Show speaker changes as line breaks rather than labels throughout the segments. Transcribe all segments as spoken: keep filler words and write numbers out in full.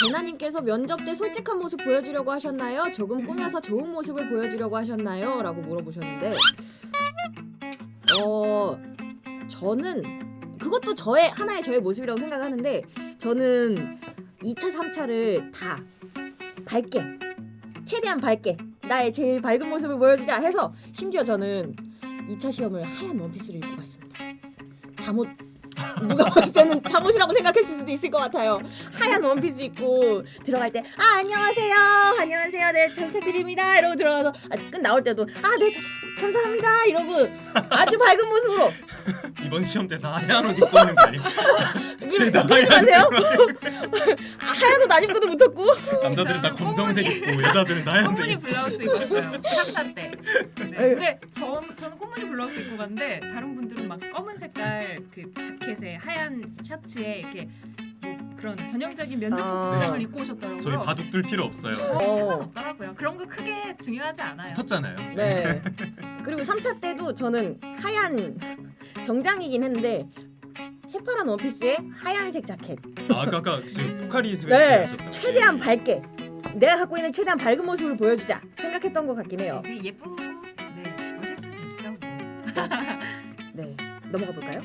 제나님께서 면접 때 솔직한 모습 보여주려고 하셨나요? 조금 꾸며서 좋은 모습을 보여주려고 하셨나요? 라고 물어보셨는데 어 저는 그것도 저의 하나의 저의 모습이라고 생각하는데 저는 이 차, 삼 차를 다 밝게 최대한 밝게 나의 제일 밝은 모습을 보여주자 해서 심지어 저는 이 차 시험을 하얀 원피스를 입고 갔습니다. 잠옷 누가 봤을 때는 잠옷이라고 생각했을 수도 있을 것 같아요. 하얀 원피스 입고 들어갈 때 아 안녕하세요 안녕하세요 네 잘 부탁드립니다 이러고 들어가서 아, 끝 나올 때도 아 네 감사합니다 이러고 아주 밝은 모습으로
이번 시험 때 나 하얀 옷 입고 있는 거 아니야?
그러지 마세요. 아, 하얀 옷 안 입고도 붙었고
남자들은 다 검정색 입고 여자들은 하얀색
꽃무늬
입고.
블라우스 입었어요. 삼 차 때. 네. 근데 저, 저는 꽃무늬 블라우스 입고 갔는데 다른 분들은 막 검은 색깔 그 자켓에 하얀 셔츠에 이렇게 뭐 그런 전형적인 면접
아.
복장을 입고 오셨더라고요.
저희 바둑 둘 필요 없어요.
어.
상관없더라고요. 그런 거 크게 중요하지 않아요.
붙었잖아요.
네. 그리고 삼 차 때도 저는 하얀 정장이긴 했는데 새파란 원피스에 하얀색 자켓.
아, 아까 아까 지금 포카리 스웨트
네.
하셨다고.
최대한 밝게 내가 갖고 있는 최대한 밝은 모습을 보여주자 생각했던 것 같긴 해요.
네, 예쁘고 네, 멋있으면 됐죠. 뭐.
네. 넘어가 볼까요?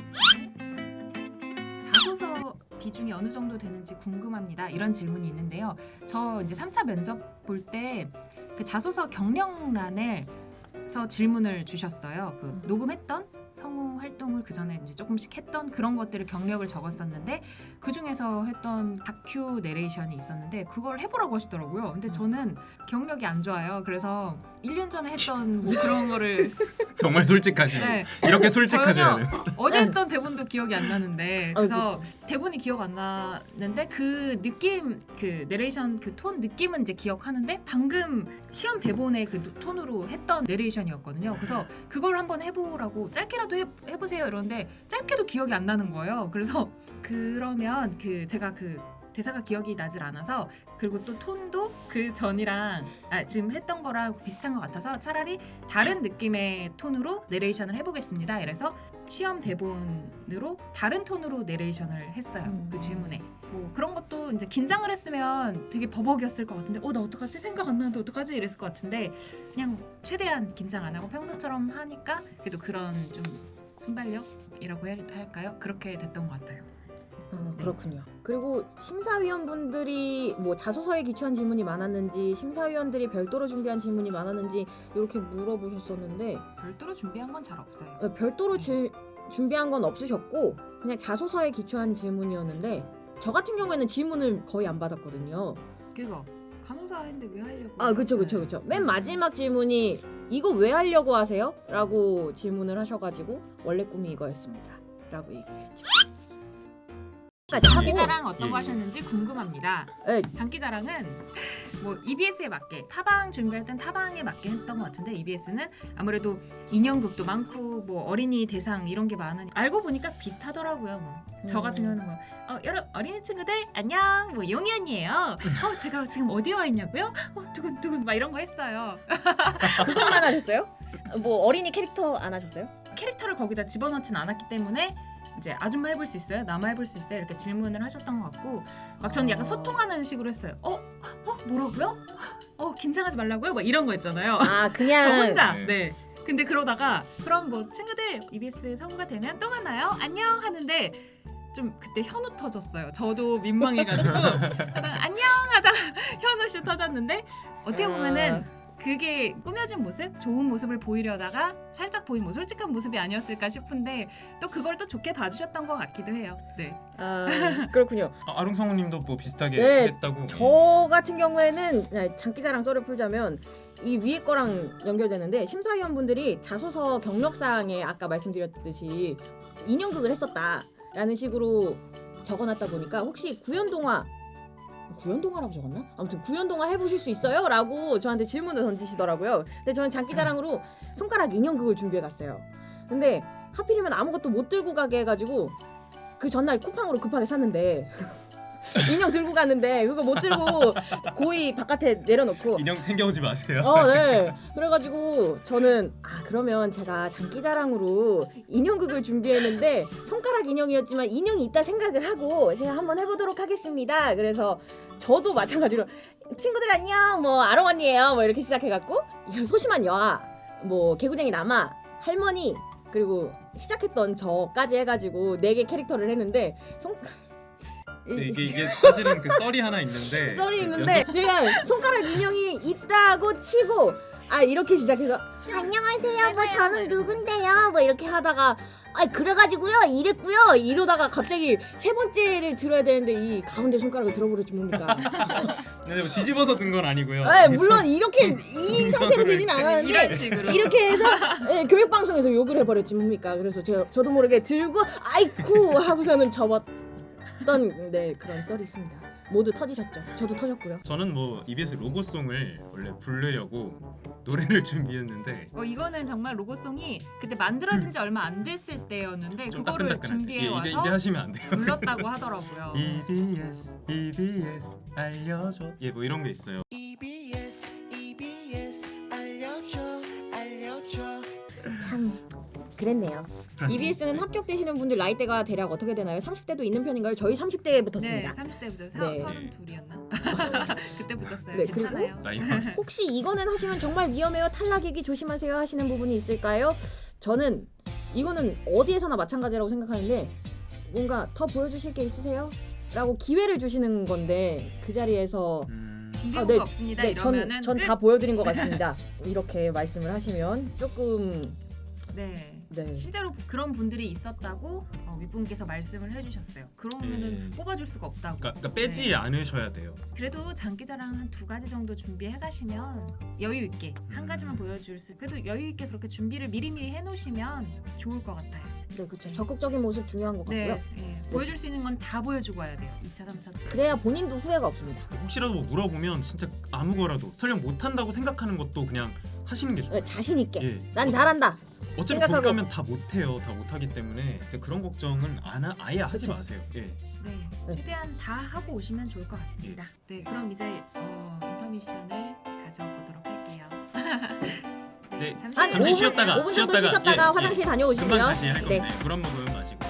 자소서 비중이 어느 정도 되는지 궁금합니다. 이런 질문이 있는데요. 저 이제 삼 차 면접 볼 때 그 자소서 경력란에서 질문을 주셨어요. 그 녹음했던 성우 활동을 그 전에 이제 조금씩 했던 그런 것들을 경력을 적었었는데 그 중에서 했던 다큐 내레이션이 있었는데 그걸 해보라고 하시더라고요. 근데 저는 경력이 안 좋아요. 그래서 일 년 전에 했던 뭐 그런 거를
정말 솔직하시네.
네,
이렇게 솔직하셔야
전혀
돼요.
어제 했던 대본도 기억이 안 나는데 그래서 대본이 기억 안 나는데 그 느낌 그 내레이션 그 톤 느낌은 이제 기억하는데 방금 시험 대본의 그 톤으로 했던 내레이션이었거든요. 그래서 그걸 한번 해보라고 짧게라도 해, 해보세요 이러는데 짧게도 기억이 안 나는 거예요. 그래서 그러면 그 제가 그 대사가 기억이 나질 않아서 그리고 또 톤도 그 전이랑 아, 지금 했던 거랑 비슷한 것 같아서 차라리 다른 느낌의 톤으로 내레이션을 해보겠습니다. 이래서 시험 대본으로 다른 톤으로 내레이션을 했어요.
음.
그 질문에 뭐 그런 것도 이제 긴장을 했으면 되게 버벅이었을 것 같은데 어 나 어떡하지 생각 안 나는데 어떡하지 이랬을 것 같은데 그냥 최대한 긴장 안 하고 평소처럼 하니까 그래도 그런 좀 순발력이라고 해야 할까요? 그렇게 됐던 것 같아요.
어,
네.
그렇군요. 그리고 심사위원분들이 뭐 자소서에 기초한 질문이 많았는지 심사위원들이 별도로 준비한 질문이 많았는지 이렇게 물어보셨었는데
별도로 준비한 건 잘 없어요.
어, 별도로 질, 준비한 건 없으셨고 그냥 자소서에 기초한 질문이었는데 저 같은 경우에는 질문을 거의 안 받았거든요.
그거 간호사 했는데 왜 하려고?
아 그쵸 그쵸 그쵸. 맨 마지막 질문이 이거 왜 하려고 하세요? 라고 질문을 하셔가지고 원래 꿈이 이거였습니다 라고 얘기를 했죠.
장기자랑 어떤
예,
거
예.
하셨는지 궁금합니다.
네,
장기자랑은 뭐 이비에스에 맞게 타방 준비할 땐 타방에 맞게 했던 것 같은데 이비에스는 아무래도 인형극도 많고 뭐 어린이 대상 이런 게 많으니 알고 보니까 비슷하더라고요. 뭐 저
음.
같은 경우는 뭐 어, 여러분 어린이 친구들 안녕 뭐 용이 언니예요. 어 제가 지금 어디에 와 있냐고요? 어 두근두근 막 이런 거 했어요.
그것만 하셨어요? 뭐 어린이 캐릭터 안 하셨어요?
캐릭터를 거기다 집어넣진 않았기 때문에 이제 아줌마 해볼 수 있어요? 남아 해볼 수 있어요? 이렇게 질문을 하셨던 것 같고 막 저는 약간
어.
소통하는 식으로 했어요. 어? 어? 뭐라고요? 어 긴장하지 말라고요? 막 이런 거 있잖아요.
아 그냥
저 혼자
네.
네. 근데 그러다가 그럼 뭐 친구들 이비에스 성우가 되면 또 만나요? 안녕 하는데 좀 그때 현우 터졌어요. 저도 민망해가지고 하다가 안녕 하다가 현우씨 터졌는데 어떻게 보면은 그게 꾸며진 모습, 좋은 모습을 보이려다가 살짝 보인 뭐 솔직한 모습이 아니었을까 싶은데 또 그걸 또 좋게 봐주셨던 것 같기도 해요. 네.
아 그렇군요.
아, 아롱 성우님도 뭐 비슷하게
네,
했다고.
저 같은 경우에는 그냥 장기자랑 썰을 풀자면 이 위에 거랑 연결되는데 심사위원분들이 자소서 경력사항에 아까 말씀드렸듯이 인형극을 했었다라는 식으로 적어놨다 보니까 혹시 구연동화 구연동화라고 적었나? 아무튼 구연동화 해보실 수 있어요? 라고 저한테 질문을 던지시더라고요. 근데 저는 장기자랑으로 손가락 인형극을 준비해갔어요. 근데 하필이면 아무것도 못 들고 가게 해가지고 그 전날 쿠팡으로 급하게 샀는데 인형 들고 갔는데 그거 못 들고 고이 바깥에 내려놓고
인형 챙겨오지 마세요.
어, 네. 그래가지고 저는 아 그러면 제가 장기자랑으로 인형극을 준비했는데 손가락 인형이었지만 인형이 있다 생각을 하고 제가 한번 해보도록 하겠습니다. 그래서 저도 마찬가지로 친구들 안녕 뭐 아롱 언니예요 뭐 이렇게 시작해갖고 소심한 여아 뭐 개구쟁이 남아 할머니 그리고 시작했던 저까지 해가지고 네 개 캐릭터를 했는데 손
이게 이게 사실은 그 썰이 하나 있는데
썰이
그
있는데 제가 손가락 인형이 있다고 치고 아 이렇게 시작해서 안녕하세요 뭐 저는 누군데요 뭐 이렇게 하다가 아 그래가지고요 이랬고요 이러다가 갑자기 세 번째를 들어야 되는데 이 가운데 손가락을 들어버렸지 뭡니까.
네, 뭐 뒤집어서 든 건 아니고요.
아 물론 이렇게 이
좀
상태로 되진
이런
않았는데
식으로
이렇게 해서 예, 교육방송에서 욕을 해버렸지 뭡니까. 그래서 제가 저도 모르게 들고 아이쿠 하고서는 접었던 네 그런 썰이 있습니다. 모두 터지셨죠. 저도 터졌고요.
저는 뭐 이비에스 로고송을 원래 부르려고 노래를 준비했는데
어, 이거는 정말 로고송이 그때 만들어진 지 얼마 안 됐을 때였는데
좀
그거를
따끈따끈한데
준비해
예,
와서
이제 이제 하시면 안 돼요.
불렀다고 하더라고요.
이비에스 이비에스 알려줘 예 뭐 이런 게 있어요.
이비에스 이비에스 알려줘 알려줘
참 그랬네요. 이비에스는 합격되시는 분들 나이대가 대략 어떻게 되나요? 삼십 대도 있는 편인가요? 저희 삼십 대에
네,
붙었습니다.
삼십 대부터
네.
서른둘이었나? 그때 붙었어요.
네,
괜찮아요.
라인만
혹시 이거는 하시면 정말 위험해요. 탈락이기 조심하세요 하시는 부분이 있을까요? 저는 이거는 어디에서나 마찬가지라고 생각하는데 뭔가 더 보여주실 게 있으세요? 라고 기회를 주시는 건데 그 자리에서
음,
준비한
아, 네,
거 없습니다.
네,
이러면은
전
끝.
다 보여드린 것 같습니다. 이렇게 말씀을 하시면 조금
네.
네.
실제로 그런 분들이 있었다고 어, 윗분께서 말씀을 해주셨어요. 그러면은
예.
뽑아줄 수가 없다고.
그러니까, 그러니까 빼지
네.
않으셔야 돼요.
그래도 장기자랑 한 두 가지 정도 준비해 가시면 여유 있게 한 가지만 보여줄 수. 그래도 여유 있게 그렇게 준비를 미리미리 해놓으시면 좋을 것 같아요.
네, 그렇죠. 적극적인 모습 중요한 것 같고요.
네, 네. 보여줄 수 있는 건 다 보여주고 와야 돼요. 이 차, 삼 차 때.
그래야 본인도 후회가 없습니다.
혹시라도 뭐 물어보면 진짜 아무거라도 설령 못한다고 생각하는 것도 그냥 하시는 게 좋아요.
네, 자신 있게.
예.
난 잘한다.
어차피
생각하고.
거기 가면 다 못해요. 다 못하기 때문에 이제 그런 걱정은 안 하, 아예 하지
그쵸.
마세요. 예.
네,
네.
최대한 다 하고 오시면 좋을 것 같습니다. 네, 그럼 이제 어, 인터미션을 가져보도록 할게요.
네,
잠시,
한
잠시
오 분,
쉬었다가
오 분 정도
쉬었다가,
쉬셨다가
예,
화장실
예.
다녀오시고요.
금방 다시 할
네.
건데 물 한 모금 마시고.